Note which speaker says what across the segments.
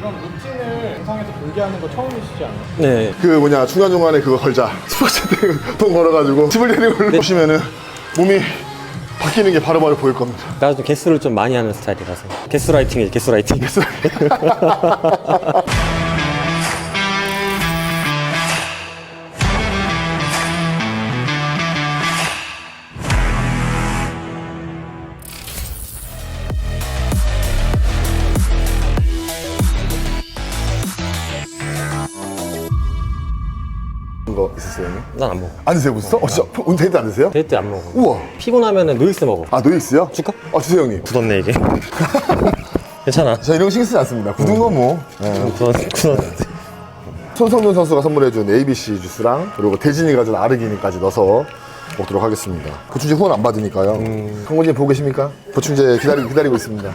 Speaker 1: 이런 루틴을 영상에서 공개하는 거 처음이시지 않아요?
Speaker 2: 네.
Speaker 3: 그 뭐냐 중간중간에 그거 걸자 스포츠 돈 걸어가지고 집을 내리고
Speaker 2: 네.
Speaker 3: 보시면은 몸이 바뀌는 게 바로바로 보일 겁니다.
Speaker 2: 나도 좀 개수를 좀 많이 하는 스타일이라서. 개수라이팅이지, 개수라이팅.
Speaker 3: 거 있었어요 형님?
Speaker 2: 난 안 먹어.
Speaker 3: 안 드세요 벌써? 진짜 오늘 데이트 안 드세요?
Speaker 2: 데이트 안 먹어.
Speaker 3: 우와.
Speaker 2: 피곤하면은 노익스 먹어.
Speaker 3: 아 노익스요?
Speaker 2: 줄까?
Speaker 3: 주세요 형님.
Speaker 2: 굳었네, 이게. 괜찮아.
Speaker 3: 저 이런 거 신경 쓰지 않습니다. 굳은 거 뭐.
Speaker 2: 굳었는데.
Speaker 3: 손성준 선수가 선물해준 ABC 주스랑 그리고 대진이가 준 아르기닌까지 넣어서 먹도록 하겠습니다. 보충제 후원 안 받으니까요. 강원진 보고 계십니까? 보충제 기다리고 있습니다.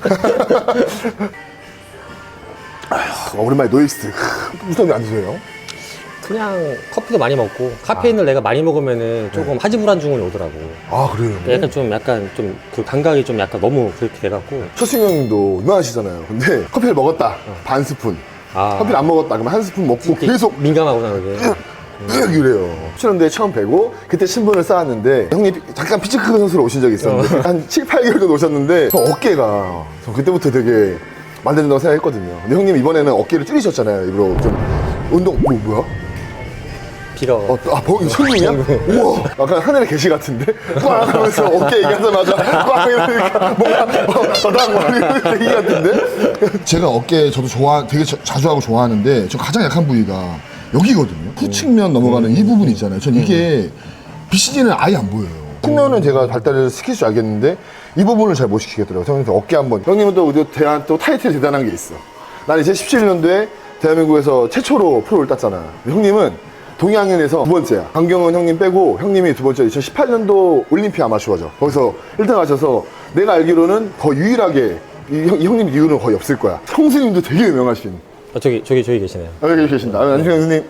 Speaker 3: 아휴, 오랜만에 노익스. 무슨 안 드세요?
Speaker 2: 그냥 커피도 많이 먹고 카페인을 내가 많이 먹으면은 조금 하지불안 증후군이 오더라고.
Speaker 3: 아 그래요?
Speaker 2: 약간 좀 그 감각이 좀 약간 너무 그렇게 돼갖고.
Speaker 3: 최승영 형님도 유명하시잖아요. 근데 커피를 먹었다. 반 스푼.
Speaker 2: 아.
Speaker 3: 커피를 안 먹었다. 그러면 한 스푼 먹고 계속
Speaker 2: 민감하구나, 그게.
Speaker 3: 이래요. 출연대에 처음 뵈고 그때 신분을 쌓았는데 형님 잠깐 피치크 선수로 오신 적이 있었는데 한 7, 8개월 정도 오셨는데 저 어깨가 저 그때부터 되게 만든다고 생각했거든요. 근데 형님 이번에는 어깨를 줄이셨잖아요. 일부러 좀 운동 뭐야?
Speaker 2: 비가.
Speaker 3: 손님이야? 우와, 약간 하늘의 계시 같은데? 꽝 하면서 어깨 얘기하자마자 꽝 이러니까 뭔가 바닥 얘기 같은데? 제가 어깨 저도 되게 자주 하고 좋아하는데 저 가장 약한 부위가 여기거든요. 후측면 넘어가는 이 부분 있잖아요. 전 이게 BCG는 아예 안 보여요. 측면은 제가 발달을 시킬 줄 알겠는데 이 부분을 잘 못 시키겠더라고요. 형님 어깨 한번. 형님은 또 타이틀이 대단한 게 있어. 난 이제 17년도에 대한민국에서 최초로 프로를 땄잖아. 형님은 동양인에서 두 번째야. 강경원 형님 빼고 형님이 두 번째 2018년도 올림픽 아마추어죠. 거기서 1등 하셔서 내가 알기로는 거의 유일하게 이 형님 이후는 거의 없을 거야. 형수님도 되게 유명하신.
Speaker 2: 저기 계시네요.
Speaker 3: 여기 계신다. 안녕하세요 형수님.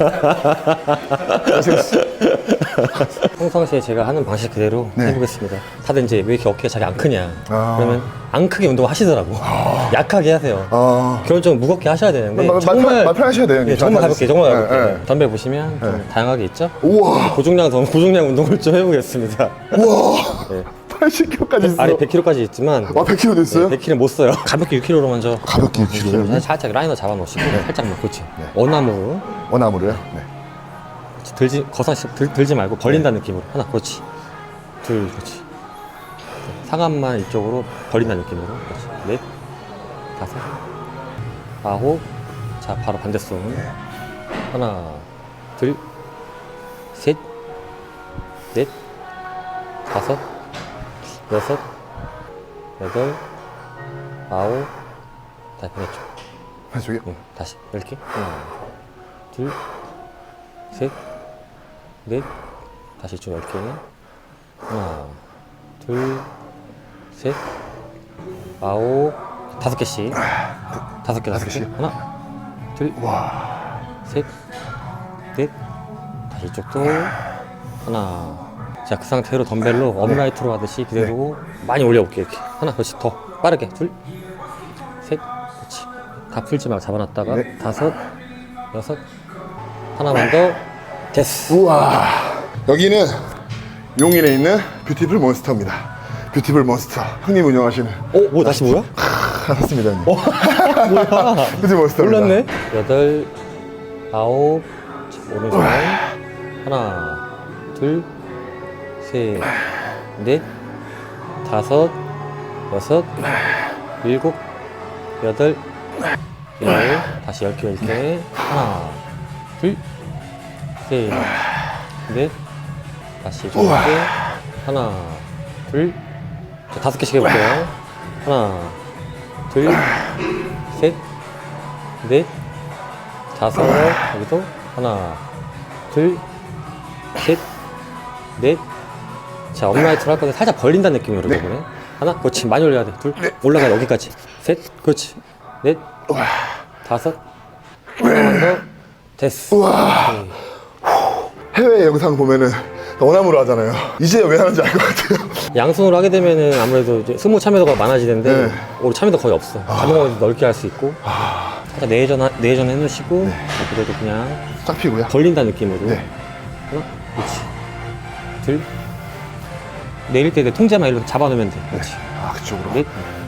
Speaker 2: 평상시에 제가 하는 방식 그대로
Speaker 3: 네.
Speaker 2: 해보겠습니다. 다들 이제 왜 이렇게 어깨가 자기 안 크냐. 그러면 안 크게 운동을 하시더라고. 약하게 하세요. 결혼 좀 무겁게 하셔야 되는데.
Speaker 3: 정말 말 편하셔야 돼요.
Speaker 2: 네, 정말 가볍게, 정말 가볍게.
Speaker 3: 네.
Speaker 2: 덤벨 보시면 좀 다양하게 있죠?
Speaker 3: 우와.
Speaker 2: 고중량 운동을 좀 해보겠습니다.
Speaker 3: 우와.
Speaker 2: 네.
Speaker 3: 80kg까지 있어.
Speaker 2: 아래 100kg까지 있지만.
Speaker 3: 100kg 됐어요?
Speaker 2: 100kg 못 써요. 가볍게 6kg로 먼저.
Speaker 3: 가볍게 6kg.
Speaker 2: 살짝 라이너 잡아놓으시고 살짝 뭐 그렇지. 원암으로
Speaker 3: 원암으로요? 네.
Speaker 2: 들지 말고 벌린다는 느낌으로 하나. 그렇지. 둘. 그렇지. 상완만 이쪽으로 벌린다는 느낌으로. 그렇지. 넷, 다섯, 아홉. 자, 바로 반대손. 하나, 둘, 셋, 넷, 다섯, 여섯, 여덟, 아홉. 다시 반대쪽.
Speaker 3: 저기요?
Speaker 2: 응, 다시 10개. 하나, 둘, 셋, 넷. 다시 좀 10개. 하나, 둘, 셋, 아홉. 5개씩. 5개. 하나, 둘, 셋, 넷. 다시 이쪽도. 하나. 자, 그 상태로 덤벨로 업라이트로 하듯이 그대로 많이 올려볼게. 이렇게. 하나, 그렇지. 더 빠르게. 둘, 셋, 그렇지. 다 풀지 말고 잡아놨다가 다섯, 여섯. 하나만 더. 됐어.
Speaker 3: 우와. 여기는 용인에 있는 뷰티풀 몬스터입니다. 뷰티풀 몬스터. 형님 운영하시는.
Speaker 2: 뭐 다시 뭐야?
Speaker 3: 알았습니다, 형님.
Speaker 2: 뭐야?
Speaker 3: 뷰티 몬스터입니다.
Speaker 2: 몰랐네. 여덟, 아홉. 오른손. 하나, 둘, 셋, 넷, 다섯, 여섯, 일곱, 여덟, 열. 다시 10개, 10개. 하나, 둘, 셋, 넷. 다시 좀 할게. 하나, 둘. 자, 5개씩 해볼게요. 하나, 둘, 셋, 넷, 다섯. 여기도. 하나, 둘, 셋, 넷. 자, 업라이트로 할 건데 살짝 벌린다는 느낌으로 저번에. 하나, 그렇지. 많이 올려야 돼. 둘, 올라가 여기까지. 셋, 그렇지. 넷, 다섯. 하나만 더. 됐어.
Speaker 3: 우와. 해외 영상 보면은 원암으로 하잖아요. 이제 왜 하는지 알 것 같아요.
Speaker 2: 양손으로 하게 되면은 아무래도 이제 스무 참여도가 많아지는데
Speaker 3: 네.
Speaker 2: 우리 참여도 거의 없어. 가능하면 넓게 할 수 있고. 살짝 내전 해놓으시고 자, 그래도 그냥
Speaker 3: 쫙 피고요.
Speaker 2: 걸린다는 느낌으로
Speaker 3: 네.
Speaker 2: 하나, 그렇지. 둘. 내릴 때 내 통제만 일로 잡아놓으면 돼. 그렇지.
Speaker 3: 아, 그쪽으로.
Speaker 2: 넷.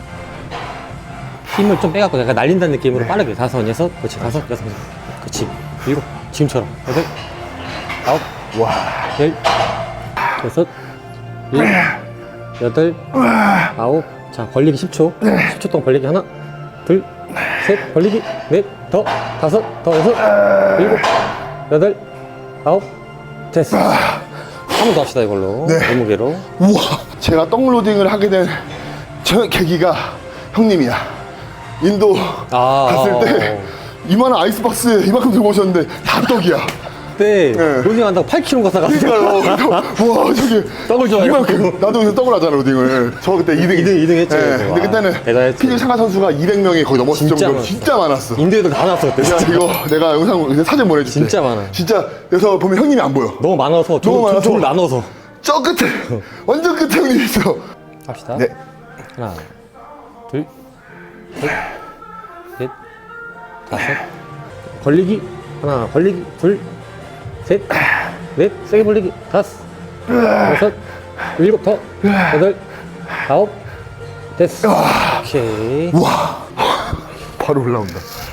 Speaker 2: 힘을 좀 빼갖고 약간 날린다는 느낌으로 빠르게. 다섯, 여섯. 그렇지. 다섯, 여섯. 그렇지. 일곱. 지금처럼. 여덟. 아홉.
Speaker 3: 와.
Speaker 2: 열. 여섯. 일. 여덟. 아홉. 자, 벌리기 10초. 10초 동안 벌리기 하나. 둘. 셋. 벌리기. 넷. 더. 다섯. 더. 여섯. 일곱. 여덟. 아홉. 됐어. 한 번 더 합시다, 이걸로.
Speaker 3: 네.
Speaker 2: 몸무게로.
Speaker 3: 우와. 제가 떡로딩을 하게 된 저 계기가 형님이야. 인도 갔을 때 이만한 아이스박스에 이만큼 들고 오셨는데 다 떡이야.
Speaker 2: 그때
Speaker 3: 네.
Speaker 2: 로딩한다고 8kg 가사갔어요.
Speaker 3: 그러니까요. 와, 저기
Speaker 2: 떡을 좋아해가지고.
Speaker 3: 이만큼. 나도 여기서 떡을 하잖아, 로딩을. 저 그때 2등
Speaker 2: 했죠.
Speaker 3: 근데
Speaker 2: 와,
Speaker 3: 그때는
Speaker 2: 대단했지.
Speaker 3: 피겨 참가 선수가 200명이 거의 넘었을
Speaker 2: 진짜
Speaker 3: 정도로
Speaker 2: 많았어.
Speaker 3: 진짜 많았어.
Speaker 2: 인도에도 다 나왔어, 그때.
Speaker 3: 야,
Speaker 2: 진짜.
Speaker 3: 이거 내가 영상 사진 보내줄게.
Speaker 2: 진짜 많아.
Speaker 3: 진짜 여기서 보면 형님이 안 보여.
Speaker 2: 너무 많아서,
Speaker 3: 너무 많아서.
Speaker 2: 둘 나눠서.
Speaker 3: 저 끝에 완전 끝에 형님 있어.
Speaker 2: 합시다.
Speaker 3: 네.
Speaker 2: 하나, 둘, 셋, 넷, 다섯. 벌리기. 하나, 벌리기. 둘, 셋, 넷, 세게 벌리기. 다섯, 여섯, 일곱, 더, 여덟, 아홉. 됐어. 오케이.
Speaker 3: 바로 올라온다.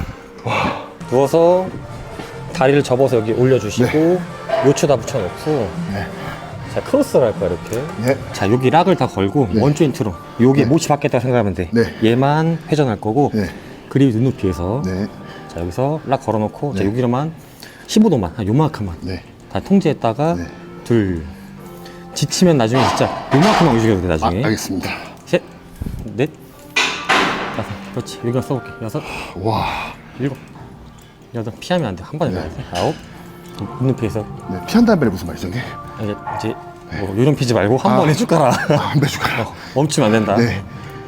Speaker 2: 누워서 다리를 접어서 여기 올려주시고 요추 다 붙여놓고 자 크로스를 할 거야 이렇게.
Speaker 3: 네.
Speaker 2: 자 여기 락을 다 걸고 원 조인트로 여기 모치 받겠다고 생각하면 돼.
Speaker 3: 네.
Speaker 2: 얘만 회전할 거고
Speaker 3: 네.
Speaker 2: 그립이 눈높이에서
Speaker 3: 네.
Speaker 2: 자 여기서 락 걸어놓고 자 여기로만 15도만 한 요만큼만
Speaker 3: 네.
Speaker 2: 다 통제했다가
Speaker 3: 네.
Speaker 2: 둘 지치면 나중에 진짜 요만큼만 움직여도 돼 나중에.
Speaker 3: 알겠습니다.
Speaker 2: 셋, 넷, 다섯. 그렇지. 여기가 써볼게. 여섯,
Speaker 3: 와.
Speaker 2: 일곱, 여덟. 피하면 안 돼. 한 번에
Speaker 3: 네.
Speaker 2: 가야 돼. 아홉. 눈높이에서
Speaker 3: 네. 피한다는 말이 무슨 말이죠, 이게?
Speaker 2: 이제 뭐 요령 피지 말고 한 번에 쭉 가라.
Speaker 3: 매주 가요.
Speaker 2: 멈추면 안 된다.
Speaker 3: 네.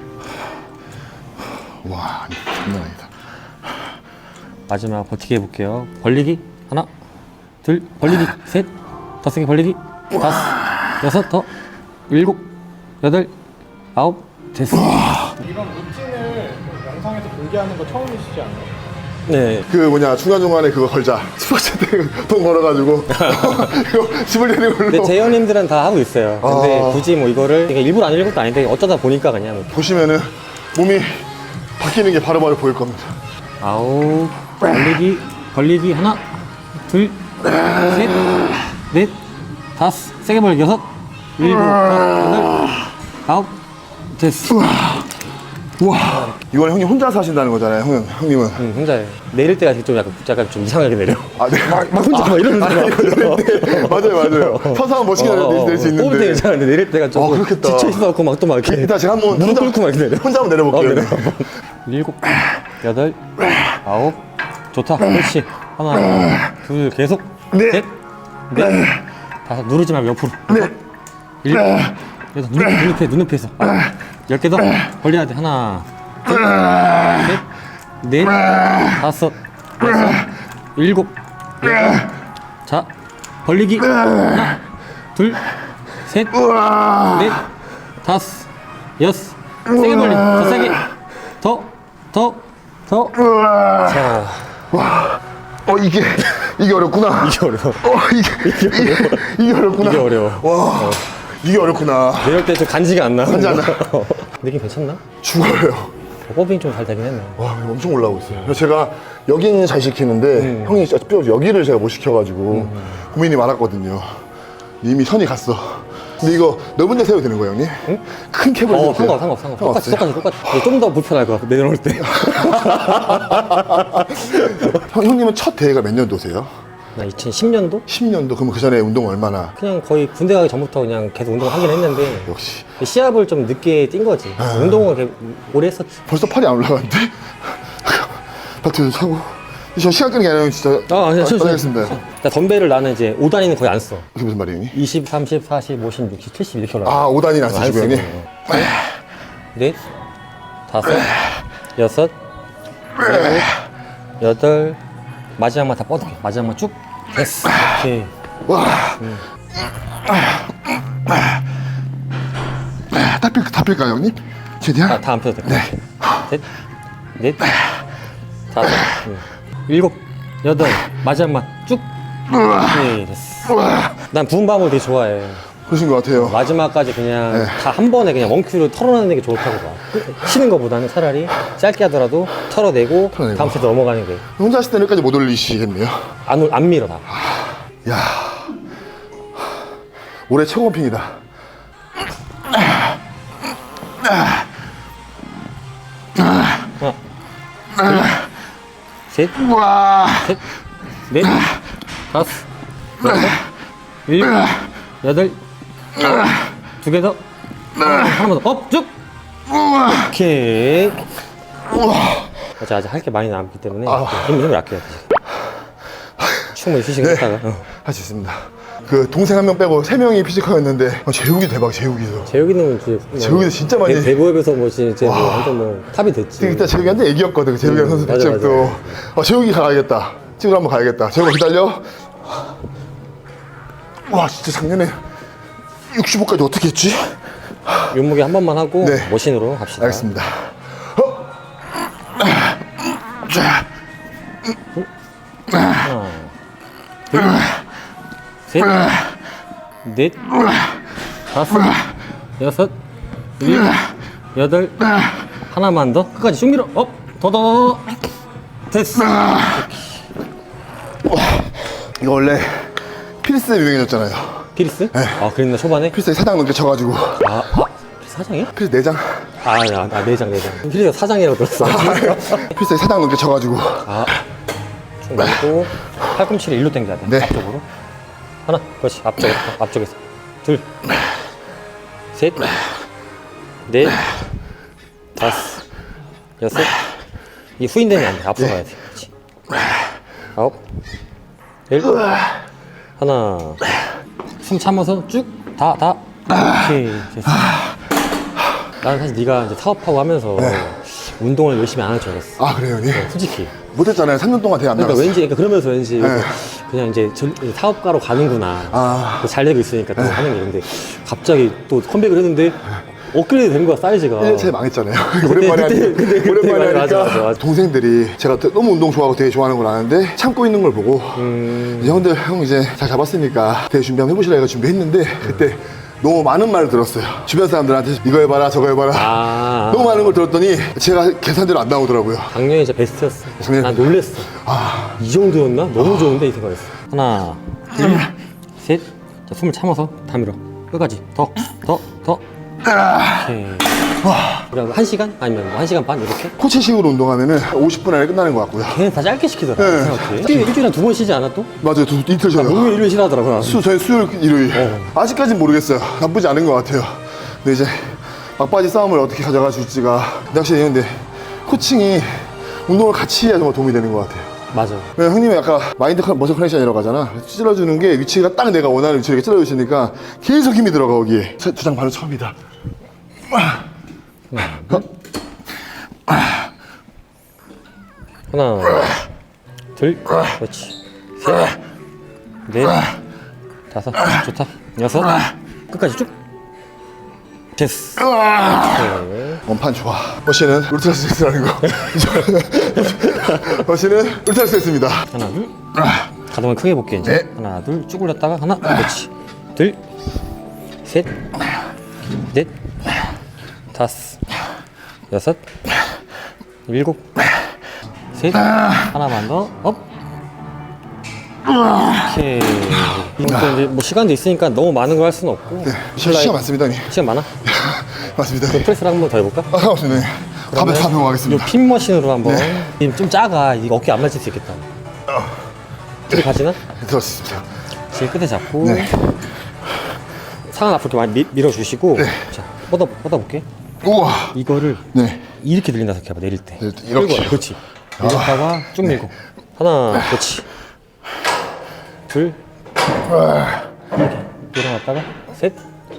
Speaker 3: 와, 장난 아니다.
Speaker 2: 마지막 버티게 해볼게요. 벌리기 하나, 둘, 벌리기 셋, 더 세게 벌리기 다섯, 여섯, 더 일곱, 여덟, 아홉. 됐어.
Speaker 1: 이런 루틴을 영상에서 공개하는 거 처음이시지 않나요?
Speaker 2: 네.
Speaker 3: 그 뭐냐 중간중간에 그거 걸자. 스포츠 때돈 벌어가지고 이거 집을 내는 걸로.
Speaker 2: 근데 재현님들은 다 하고 있어요. 근데
Speaker 3: 아.
Speaker 2: 굳이 뭐 이거를 그러니까 일부러 안 읽은 것도 아닌데 어쩌다 보니까 그냥
Speaker 3: 보시면은 몸이 바뀌는 게 바로바로 보일 겁니다.
Speaker 2: 아홉, 벌리기 하나, 둘, 셋, 넷, 다섯, 세게 벌리기 여섯, 일곱, 여덟, 아홉. 됐어.
Speaker 3: 우와. 이건 형님 혼자서 하신다는 거잖아요, 형님은.
Speaker 2: 응, 혼자예요. 내릴 때가 좀 약간 좀 이상하게 내려.
Speaker 3: 아, 네.
Speaker 2: 막 혼자 막 이러면서.
Speaker 3: 맞아요. 서서 하면 멋있게 낼 수
Speaker 2: 뽑을 때
Speaker 3: 있는데.
Speaker 2: 괜찮은데 내릴 때가 좀
Speaker 3: 그렇겠다.
Speaker 2: 지쳐 있어갖고 막 또 막 이렇게
Speaker 3: 일단 제가 한번
Speaker 2: 무릎 꿇고 막 이렇게 내려.
Speaker 3: 혼자 한번 내려볼게요.
Speaker 2: 내려 한번. 일곱, 여덟, 아홉. 좋다. 그렇지. 하나, 둘, 계속.
Speaker 3: 네.
Speaker 2: 셋, 넷, 다섯. 누르지 말고 옆으로.
Speaker 3: 네.
Speaker 2: 일곱, 여덟. 눈높이에서. 10개 더 벌려야 돼. 하나, 둘, 셋, 넷, 다섯, 여섯, 일곱, 여덟. 자, 벌리기. 하나, 둘, 셋, 넷, 다섯, 여섯. 세게 벌리. 더 세게. 더. 자,
Speaker 3: 이게 어렵구나.
Speaker 2: 이게 어려워.
Speaker 3: 이게 어렵구나.
Speaker 2: 이게 어려워.
Speaker 3: 와, 이게 어렵구나.
Speaker 2: 내릴 때 좀 간지가 안 나.
Speaker 3: 간지 안 나.
Speaker 2: 느낌 괜찮나?
Speaker 3: 죽어요.
Speaker 2: 호빙 좀 잘 되긴 했네.
Speaker 3: 와, 엄청 올라오고 있어요. 그래서 제가 여기는 잘 시키는데 형이 뼈 여기를 제가 못 시켜가지고 고민이 많았거든요. 이미 선이 갔어. 근데 이거 넓은 데 세워도 되는 거예요, 형님? 응? 큰 캡을 세워도 돼요?
Speaker 2: 상관없어. 똑같이. 좀 더 불편할 것 같아, 내려올 때.
Speaker 3: 형님은 첫 대회가 몇 년도세요?
Speaker 2: 나 2010년도?
Speaker 3: 10년도? 그러면 그 전에 운동 얼마나?
Speaker 2: 그냥 거의 군대 가기 전부터 그냥 계속 운동을 하긴 했는데
Speaker 3: 역시.
Speaker 2: 시합을 좀 늦게 뛴 거지. 운동을 되게 오래 했었지.
Speaker 3: 벌써 팔이 안 올라가는데? 바트 사고. 저 시간 끄는 게 아니라 진짜. 알겠습니다.
Speaker 2: 나 덤벨을 나는 이제 5단위는 거의 안 써.
Speaker 3: 그게 무슨 말이에요, 형님?
Speaker 2: 20, 30, 40, 50, 60, 70 이렇게 올라가.
Speaker 3: 아, 5단위는 안 쓰시고, 형님?
Speaker 2: 넷, 다섯, 여섯, 일곱, 여덟. 마지막만 다 뻗을게. 마지막만 쭉. 됐어. 오케이.
Speaker 3: 와. 다 뺄까요, 형님? 최대한?
Speaker 2: 다 안 펴도 돼. 셋, 넷, 다섯, 일곱, 여덟, 마지막만 쭉. 오케이, 됐어. 난 부은 밤을 되게 좋아해.
Speaker 3: 그러신 것 같아요.
Speaker 2: 마지막까지 그냥
Speaker 3: 네.
Speaker 2: 다 한 번에 그냥 원큐로 털어내는 게 좋다고 봐. 쉬는 것보다는 차라리 짧게 하더라도 털어내고
Speaker 3: 털어내고.
Speaker 2: 다음 세트 넘어가는 게.
Speaker 3: 혼자 하실 때는 여기까지 못 올리시겠네요.
Speaker 2: 안 밀어, 나.
Speaker 3: 야, 올해 최고 펌핑이다.
Speaker 2: 하나, 둘, 셋,
Speaker 3: 와,
Speaker 2: 셋, 넷, 다섯, 여섯, 일곱, 여덟, 두 개 더, 하나만 더, 업, 쭉! 오케이. 아직 할 게 많이 남기 때문에 힘을 아껴야 돼. 충분히 휴식을 했다가.
Speaker 3: 할 수 있습니다. 그 동생 한 명 빼고 3명이 피지컬이었는데 재욱이 대박, 재욱이도.
Speaker 2: 재욱이는
Speaker 3: 재욱이도 진짜 많이.
Speaker 2: 대구에서 뭐 진짜 뭐 완전 뭐 탑이 됐지.
Speaker 3: 그때 재욱이한테 얘기였거든. 재욱이랑 선수
Speaker 2: 맞아,
Speaker 3: 피지컬도. 재욱이 가야겠다. 찍으러 한번 가야겠다. 재욱아 기다려. 와, 진짜 작년에 65까지 어떻게 했지?
Speaker 2: 윤무게 한 번만 하고
Speaker 3: 네.
Speaker 2: 머신으로 합시다.
Speaker 3: 알겠습니다.
Speaker 2: 하나, 둘, 셋, 넷, 다섯, 여섯, 일곱, 여덟, 하나만 더 끝까지 쭉 밀어. 업, 더. 됐어.
Speaker 3: 이거 원래 필스 유행해졌잖아요.
Speaker 2: 피리스? 아, 그랬나 초반에?
Speaker 3: 필스에 4장 넘게 쳐가지고.
Speaker 2: 피리스 사장이야?
Speaker 3: 필스 4장.
Speaker 2: 내장. 피리스가 사장이라고 들었어.
Speaker 3: 필스에 4장 넘게 쳐가지고.
Speaker 2: 쭉 넘고 팔꿈치를 일로 당겨야 돼.
Speaker 3: 네.
Speaker 2: 앞쪽으로. 하나, 그렇지. 앞쪽에서. 둘, 셋, 넷, 다섯, 여섯. 이 후인되면 안 돼. 앞으로 가야 돼. 그렇지. 아홉, 열, 하나. 숨 참아서 쭉 다. 오케이. 됐어. 나는 사실 네가 이제 사업하고 하면서 운동을 열심히 안 할 줄 알았어.
Speaker 3: 아, 그래요, 형님?
Speaker 2: 솔직히.
Speaker 3: 못했잖아요. 3년 동안 되게 안
Speaker 2: 그러니까
Speaker 3: 나갔어요.
Speaker 2: 왠지 그러면서 왠지 그냥 이제 사업가로 가는구나. 잘 되고 있으니까 또 하는 게. 근데 갑자기 또 컴백을 했는데 업그레이드 된 거야, 사이즈가.
Speaker 3: 1년차에 망했잖아요. 오랜만에 하니까. 오랜만에 하니까.
Speaker 2: 맞아.
Speaker 3: 동생들이 제가 너무 운동 좋아하고 되게 좋아하는 걸 아는데 참고 있는 걸 보고 이제 형 이제 잘 잡았으니까 되게 준비 한번 해보시라 해서 준비했는데 그때 너무 많은 말을 들었어요. 주변 사람들한테 이거 해봐라 저거 해봐라 너무 많은 걸 들었더니 제가 계산대로 안 나오더라고요.
Speaker 2: 작년에 진짜 베스트였어.
Speaker 3: 작년에
Speaker 2: 난 놀랬어. 이 정도였나? 너무 좋은데 이 생각했어. 하나, 둘, 셋. 자, 숨을 참아서 다 밀어. 끝까지. 더. 오케이. 그럼 1시간? 아니면 뭐 1시간 반 이렇게?
Speaker 3: 코치식으로 운동하면은 50분 안에 끝나는 것 같고요.
Speaker 2: 걔는 다 짧게 시키더라. 생각해. 일주일에 한 2번 쉬지 않아 또?
Speaker 3: 맞아요. 이틀 쉬어요.
Speaker 2: 목요일, 일요일 쉬라더라고. 나는.
Speaker 3: 저희 수요일, 일요일. 아직까지는 모르겠어요. 나쁘지 않은 것 같아요. 근데 이제 막바지 싸움을 어떻게 가져가 줄지가 확실히 있는데 코칭이 운동을 같이 해야 정말 도움이 되는 것 같아요.
Speaker 2: 맞아.
Speaker 3: 왜냐면 형님이 아까 마인드 머슬 커넥션이라고 하잖아. 찔러주는 게 위치가 딱 내가 원하는 위치로 이렇게 찔러주시니까 계속 힘이 들어가 거기에. 두 장 바로 처음이다.
Speaker 2: 하나, 둘, 그렇지. 셋, 넷, 다섯, 좋다. 여섯, 끝까지 쭉. 됐어. 오케이.
Speaker 3: 원판 좋아. 머신은 울트라 스트레스라는 거. 머신은 울트라 스트레스입니다.
Speaker 2: 하나, 둘. 가동을 크게 해볼게, 이제.
Speaker 3: 네.
Speaker 2: 하나, 둘, 쭉 올렸다가, 하나, 그렇지. 둘, 셋, 넷, 다섯, 여섯, 일곱, 셋, 하나만 더, 업. 오케이. 이것도 이제 뭐 시간도 있으니까 너무 많은 걸 할 수는 없고.
Speaker 3: 시간 많습니다, 형님.
Speaker 2: 시간 많아?
Speaker 3: 맞습니다. 형님.
Speaker 2: 프레스를 한 번 더 해볼까?
Speaker 3: 상관없습니다. 형님. 다 배워가겠습니다.
Speaker 2: 이 핀 머신으로 한번. 좀 작아. 이거 어깨 안 맞을 수 있겠다. 뒤로 가지나?
Speaker 3: 들었습니다.
Speaker 2: 제일 끝에 잡고.
Speaker 3: 네.
Speaker 2: 상완 앞으로 이렇게 많이 밀어주시고. 자, 뻗어볼게.
Speaker 3: 우와.
Speaker 2: 이거를
Speaker 3: 네.
Speaker 2: 이렇게 들린다 생각해봐, 내릴 때.
Speaker 3: 이렇게.
Speaker 2: 끌고, 그렇지. 밀었다가 쭉 밀고. 하나, 그렇지. 둘. 이렇게. 일어났다가, 셋.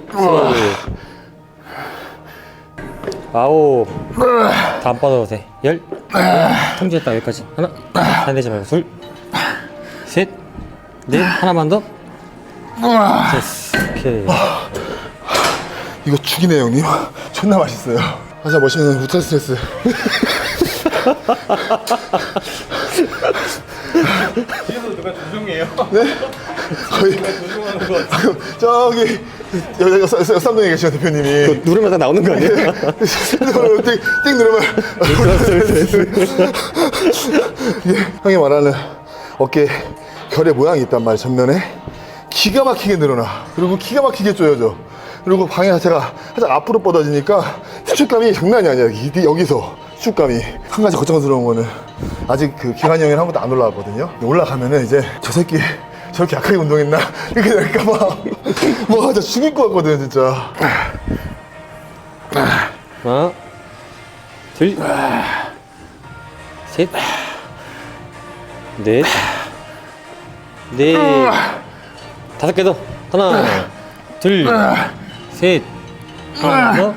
Speaker 2: 아홉. 다 안 뻗어도 돼. 열. 통제했다, 여기까지. 하나. 안 되지 말고. 둘. 셋. 넷. 하나만 더. 됐어. 오케이.
Speaker 3: 이거 죽이네, 형님. 존나 맛있어요. 하자, 머신은 울트라 스트레스.
Speaker 1: 뒤에서 누가 조종해요?
Speaker 3: 거의
Speaker 1: 조종하는 거 같아.
Speaker 3: 저기 쌍둥이 계시는 대표님이
Speaker 2: 누르면 다 나오는 거 아니야?
Speaker 3: 띵 누르면 이게 형이 말하는 어깨 결의 모양이 있단 말이야. 전면에 기가 막히게 늘어나. 그리고 기가 막히게 조여져. 그리고 방향 자체가 살짝 앞으로 뻗어지니까 수축감이 장난이 아니야. 여기서 수축감이. 한 가지 걱정스러운 거는 아직 그 기관이 형이랑 한 번도 안 올라왔거든요. 올라가면은 이제 저 새끼 저렇게 약하게 운동했나? 이렇게 될까봐 뭐 진짜 죽일 것 같거든 진짜.
Speaker 2: 하나, 둘, 셋, 넷, 다섯 개 더. 하나, 둘, 셋, 하나,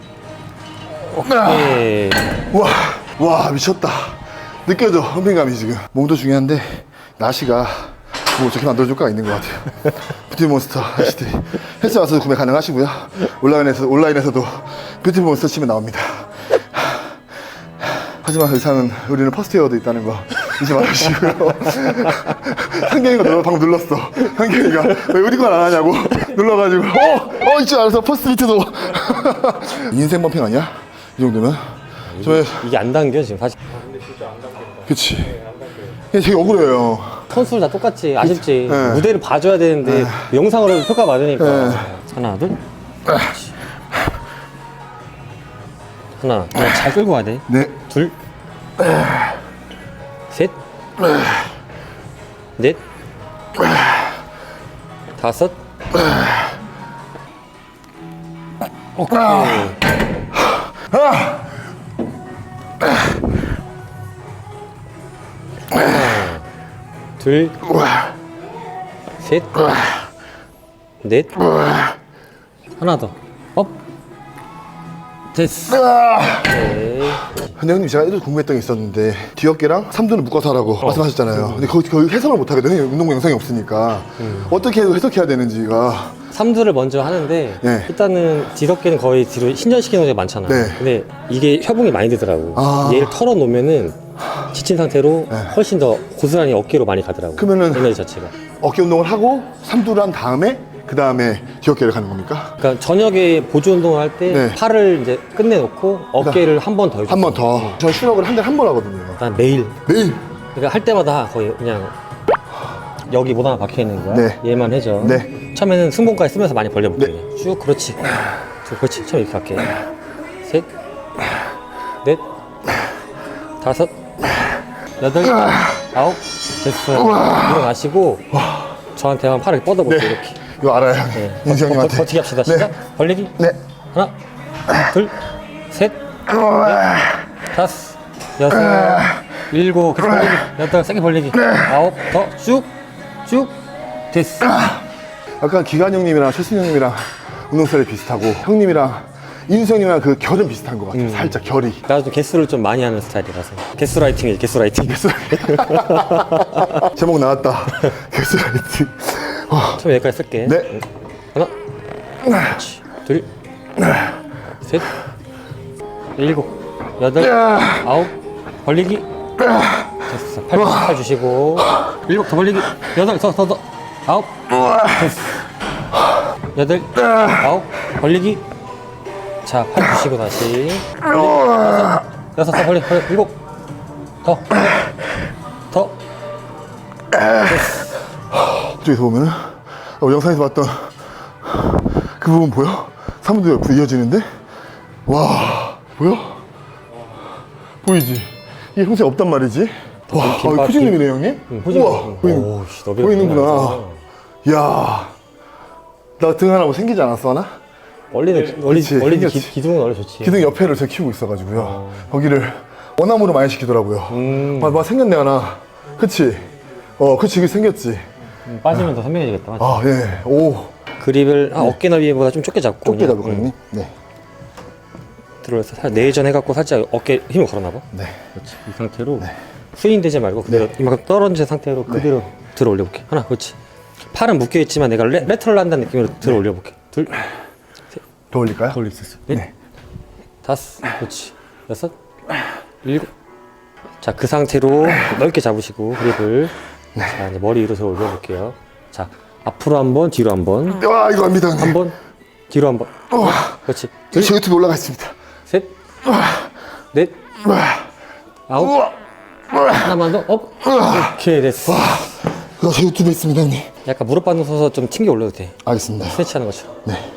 Speaker 2: 오케이.
Speaker 3: 와 미쳤다. 느껴져 험핑감이 지금. 몸도 중요한데 나시가 뭐 좋게 만들어줄까 있는 것 같아요. 뷰티몬스터 하시티 헬스 와서 구매 가능하시고요. 온라인에서도 뷰티몬스터 치면 나옵니다. 하지만 의사는 우리는 퍼스트웨어도 있다는 거 잊지 말으시고요. 한경이가 방금 눌렀어. 한경이가 왜 우리 건 안 하냐고 눌러가지고 이쪽 알아서 퍼스트비트도 인생 범핑 아니야? 이 정도면?
Speaker 2: 이게 안 당겨 지금 사실.
Speaker 1: 근데 진짜 안 당긴다.
Speaker 3: 그치. 이게 되게 억울해요.
Speaker 2: 선수들 다 똑같지. 아쉽지.
Speaker 3: 네.
Speaker 2: 무대를 봐줘야 되는데 영상으로 평가받으니까.
Speaker 3: 네.
Speaker 2: 하나, 둘. 그렇지. 하나, 잘 끌고 가야 돼.
Speaker 3: 네.
Speaker 2: 둘, 셋, 넷, 다섯. 오케이. 하나, 둘, 셋, 넷, 하나 더. 업. 됐어. 오케이.
Speaker 3: 근데 형님 제가 예전에 궁금했던 게 있었는데 뒤어깨랑 삼두는 묶어서 하라고 말씀하셨잖아요. 근데 거의 해석을 못 하거든요. 운동 영상이 없으니까 어떻게 해석해야 되는지가.
Speaker 2: 삼두를 먼저 하는데
Speaker 3: 네.
Speaker 2: 일단은 뒤덮개는 거의 뒤로 신전시키는 경우가 많잖아.
Speaker 3: 네.
Speaker 2: 근데 이게 협응이 많이 되더라고.
Speaker 3: 아.
Speaker 2: 얘를 털어놓으면은 지친 상태로 훨씬 더 고스란히 어깨로 많이 가더라고.
Speaker 3: 그러면은-
Speaker 2: 에너지 자체가.
Speaker 3: 어깨 운동을 하고 삼두를 한 다음에 그 다음에 뒤어깨를 가는 겁니까?
Speaker 2: 그러니까 저녁에 보조 운동을 할 때
Speaker 3: 네.
Speaker 2: 팔을 이제 끝내놓고 어깨를 한 번 더 해줘.
Speaker 3: 한 번 더. 저 슈럭을 한 달에 한 번 하거든요.
Speaker 2: 난 매일.
Speaker 3: 매일.
Speaker 2: 그러니까 할 때마다 거의 그냥 여기 못 하나 박혀 있는 거야.
Speaker 3: 네.
Speaker 2: 얘만 해줘.
Speaker 3: 네.
Speaker 2: 처음에는 승봉까지 쓰면서 많이 벌려볼게. 쭉 그렇지. 쭉 그렇지. 처음 이렇게 할게. 셋, 넷, 다섯, 여덟, 아홉. 됐어. 일어나시고 저한테만 팔을 뻗어볼게.
Speaker 3: 네.
Speaker 2: 이렇게.
Speaker 3: 이거 알아요, 형님.
Speaker 2: 네.
Speaker 3: 인수 형님한테.
Speaker 2: 버티기 합시다.
Speaker 3: 네.
Speaker 2: 시작. 벌리기.
Speaker 3: 네.
Speaker 2: 하나, 둘, 셋, 넷, 다섯, 여섯, 일곱, 계속 벌리기. 여덟, 세게 벌리기. 아홉, 더 쭉. 됐어.
Speaker 3: 약간 기관 형님이랑 최순 형님이랑 운동 스타일이 비슷하고 형님이랑 인수 형님이랑 그 결은 비슷한 것 같아요. 살짝 결이.
Speaker 2: 나도 좀 개수를 좀 많이 하는 스타일이라서. 개수라이팅이지, 개수라이팅.
Speaker 3: 제목 나왔다. 개수라이팅.
Speaker 2: 처음 여기까지 쓸게.
Speaker 3: 네.
Speaker 2: 하나, 그렇지. 둘, 셋, 일곱, 여덟, 아홉, 벌리기. 됐어. 팔 주시고. 일곱, 더 벌리기. 여덟, 더. 아홉, 됐어. 여덟, 아홉, 벌리기. 자, 팔 주시고 다시. 여섯, 더 벌리. 일곱, 더. 됐어.
Speaker 3: 저기서 보면은 영상에서 봤던 그 부분 보여? 사무도 옆으로 이어지는데? 와 보여? 보이지? 이게 평소에 없단 말이지? 와
Speaker 2: 김밥,
Speaker 3: 후진님이네 형님?
Speaker 2: 후진.
Speaker 3: 우와
Speaker 2: 오우씨, 너비가
Speaker 3: 보이는구나. 이야 나 등 하나 뭐 생기지 않았어 하나?
Speaker 2: 원래는
Speaker 3: 그치, 생겼지.
Speaker 2: 기둥은 원래 좋지.
Speaker 3: 기둥 옆에를 제가 키우고 있어가지고요. 거기를 원암으로 많이 시키더라고요. 막 생겼네 하나. 그치? 그치 이게 생겼지.
Speaker 2: 빠지면 더 선명해지겠다. 맞지?
Speaker 3: 아 예. 오.
Speaker 2: 그립을 어깨 너비보다 좀 좁게 잡고
Speaker 3: 좁게
Speaker 2: 그냥,
Speaker 3: 잡을 거니? 네.
Speaker 2: 들어서 내전 해갖고 살짝 어깨 힘을 걸어놔봐.
Speaker 3: 네.
Speaker 2: 그렇지. 이 상태로 스윙되지 말고 그대로 이만큼 떨어진 상태로 그대로 들어 올려볼게. 하나, 그렇지. 팔은 묶여 있지만 내가 레터럴 한다는 느낌으로 들어 올려볼게. 둘,
Speaker 3: 더 올릴까요?
Speaker 2: 더 올릴 수 있어. 넷, 다섯, 그렇지. 여섯, 일곱, 자, 그 상태로 넓게 잡으시고 그립을 자, 이제 머리 위로 세워 올려볼게요. 자, 앞으로 한 번, 뒤로 한 번,
Speaker 3: 와, 이거 압니다.
Speaker 2: 한 번, 뒤로 한 번. 그렇지. 둘,
Speaker 3: 제 유튜브 올라가 있습니다.
Speaker 2: 셋, 넷, 아홉, 하나만 더, 업. 오케이, 됐어.
Speaker 3: 이거 제 유튜브에 있습니다, 형님.
Speaker 2: 약간 무릎 반동 서서 좀 튕겨 올려도 돼.
Speaker 3: 알겠습니다.
Speaker 2: 스트레치 하는 것처럼.
Speaker 3: 네.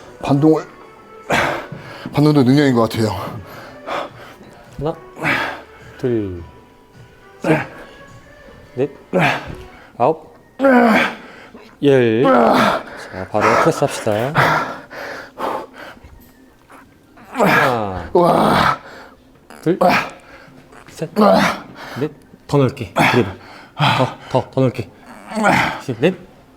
Speaker 3: 반동도 능력인 것 같아요.
Speaker 2: 하나, 둘, 셋, 넷, 아홉, 열. 자, 바로 프레스 합시다. 하나,
Speaker 3: 와,
Speaker 2: 둘, 셋, 넷. 더 넓게. 그리고 더 넓게. 넷,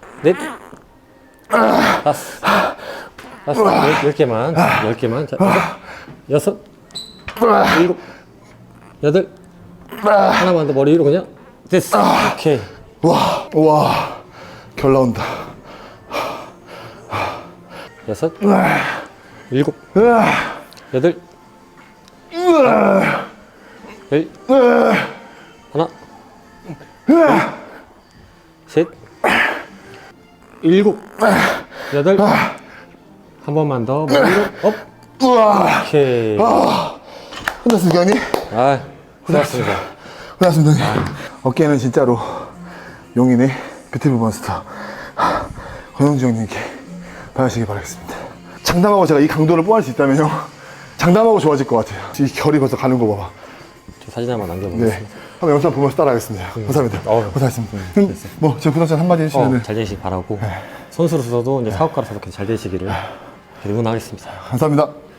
Speaker 2: 다섯, 열 개만. 자, 여섯, 일곱, 여덟, 하나만 더 머리 위로 그냥. 됐어. 오케이.
Speaker 3: 와, 결 나온다.
Speaker 2: 여섯, 일곱, 여덟, 열, 하나, 둘, 셋, 일곱, 여덟, 한 번만 더 머리 위로 업.
Speaker 3: 우와,
Speaker 2: 오케이.
Speaker 3: 끝났습니까, 형님?
Speaker 2: 아, 고맙습니다.
Speaker 3: 끝났습니다, 형님. 어깨는 진짜로 용인의 뷰티풀 몬스터 권영주 형님께 받으시기 바라겠습니다. 장담하고 제가 이 강도를 뽀할 수 있다면요, 장담하고 좋아질 것 같아요. 이 결이 벌써 가는 거 봐봐.
Speaker 2: 저 사진 한번 남겨보겠습니다.
Speaker 3: 네, 한번 영상 보면서 따라하겠습니다. 감사합니다. 고생하셨습니다. 뭐, 제 구독자 한마디 해주시면
Speaker 2: 잘 되시기 바라고 선수로서도 이제 사업가로서도 잘 되시기를 응원하겠습니다.
Speaker 3: 감사합니다.